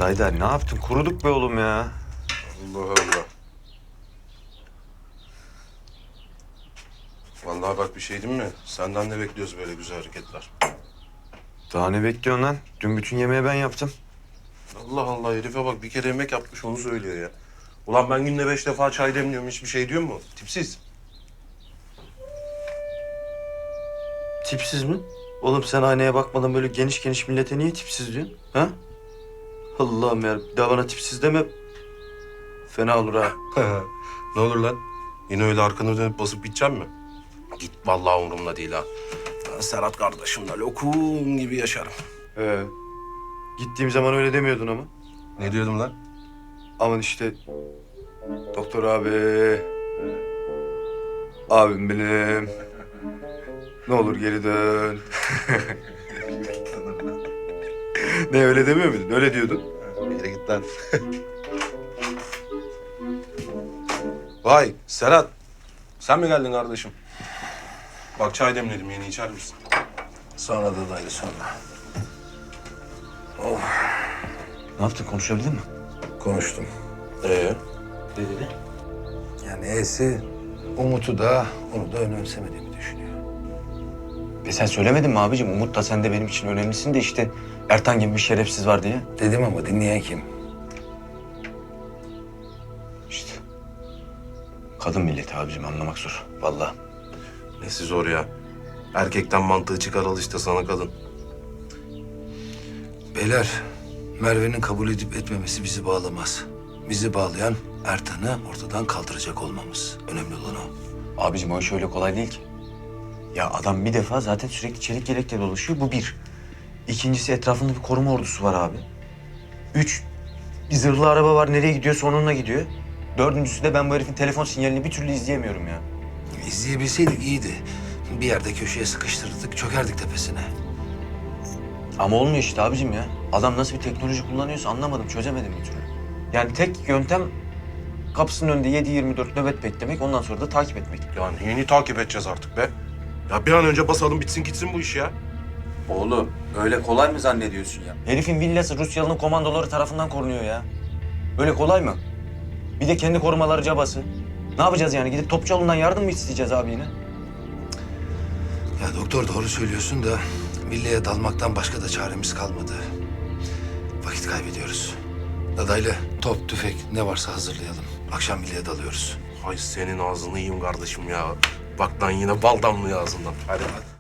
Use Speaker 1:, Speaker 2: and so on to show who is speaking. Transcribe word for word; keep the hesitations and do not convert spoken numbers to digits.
Speaker 1: Haydar ne yaptın? Kuruduk be oğlum ya.
Speaker 2: Allah Allah. Vallahi bak bir şey diyeyim mi? Senden de bekliyoruz böyle güzel hareketler.
Speaker 1: Daha ne bekliyorsun lan? Dün bütün yemeği ben yaptım.
Speaker 2: Allah Allah herife bak bir kere yemek yapmış onu söylüyor ya. Ulan ben günde beş defa çay demliyorum hiçbir şey diyor mu? Tipsiz.
Speaker 1: Tipsiz mi? Oğlum sen aynaya bakmadan böyle geniş geniş millete niye tipsiz diyorsun? Ha? Allah'ım ya. Bir daha bana tipsiz deme. Fena olur ha.
Speaker 2: Ne olur lan? Yine öyle arkanı dönüp basıp gidecek mi? Git vallahi umurumda değil ha. Ben Serhat kardeşimle lokum gibi yaşarım.
Speaker 1: Ee, gittiğim zaman öyle demiyordun ama.
Speaker 2: Ne diyordum lan?
Speaker 1: Aman işte doktor abi. Abim benim. Ne olur geri dön. Ne öyle demiyor muydun? Öyle diyordun.
Speaker 2: Bir yere git lan. Vay Serhat. Sen mi geldin kardeşim? Bak çay demledim yeni içer misin?
Speaker 3: Sonra da dayı sonra.
Speaker 1: Ne yaptın? Konuşabildin mi?
Speaker 3: Konuştum.
Speaker 2: Ee?
Speaker 1: Ne dedi?
Speaker 3: Yani E'si Umut'u da onu da önemsemediğimi düşünüyor.
Speaker 1: E sen söylemedin mi abicim? Umut da sen de benim için önemlisin de işte Ertan gibi bir şerefsiz var diye.
Speaker 3: Dedim ama dinleyen kim?
Speaker 1: İşte. Kadın milleti abicim anlamak zor. Vallahi.
Speaker 2: Nesi zor ya? Erkekten mantığı çıkaralı işte sana kadın.
Speaker 3: Beyler, Merve'nin kabul edip etmemesi bizi bağlamaz. Bizi bağlayan Ertan'ı ortadan kaldıracak olmamız. Önemli olan o.
Speaker 1: Abicim o iş öyle kolay değil ki. Ya adam bir defa zaten sürekli çelik yelekle dolaşıyor. Bu bir. İkincisi etrafında bir koruma ordusu var abi. Üç, bir zırhlı araba var. Nereye gidiyorsa onunla gidiyor. Dördüncüsü de ben bu herifin telefon sinyalini bir türlü izleyemiyorum ya.
Speaker 3: İzleyebilseydik iyiydi. Bir yerde köşeye sıkıştırırdık, çökerdik tepesine.
Speaker 1: Ama olmuyor işte abicim ya. Adam nasıl bir teknoloji kullanıyorsa anlamadım, çözemedim bir türlü. Yani tek yöntem kapısının önünde yedi yirmi dört nöbet beklemek, ondan sonra da takip etmek.
Speaker 2: Yani yeni takip edeceğiz artık be. Ya bir an önce basalım bitsin gitsin bu iş ya.
Speaker 1: Oğlum öyle kolay mı zannediyorsun ya? Herifin villası Rusyalı'nın komandoları tarafından korunuyor ya. Öyle kolay mı? Bir de kendi korumaları cabası. Ne yapacağız yani? Gidip Topçuoğlu'ndan yardım mı isteyeceğiz abi yine?
Speaker 3: Ya doktor doğru söylüyorsun da villaya dalmaktan başka da çaremiz kalmadı. Vakit kaybediyoruz. Dadaylı top, tüfek ne varsa hazırlayalım. Akşam villaya dalıyoruz.
Speaker 2: Hay senin ağzını yiyeyim kardeşim ya. Bak lan yine bal damlıyor ağzından. Hadi hadi.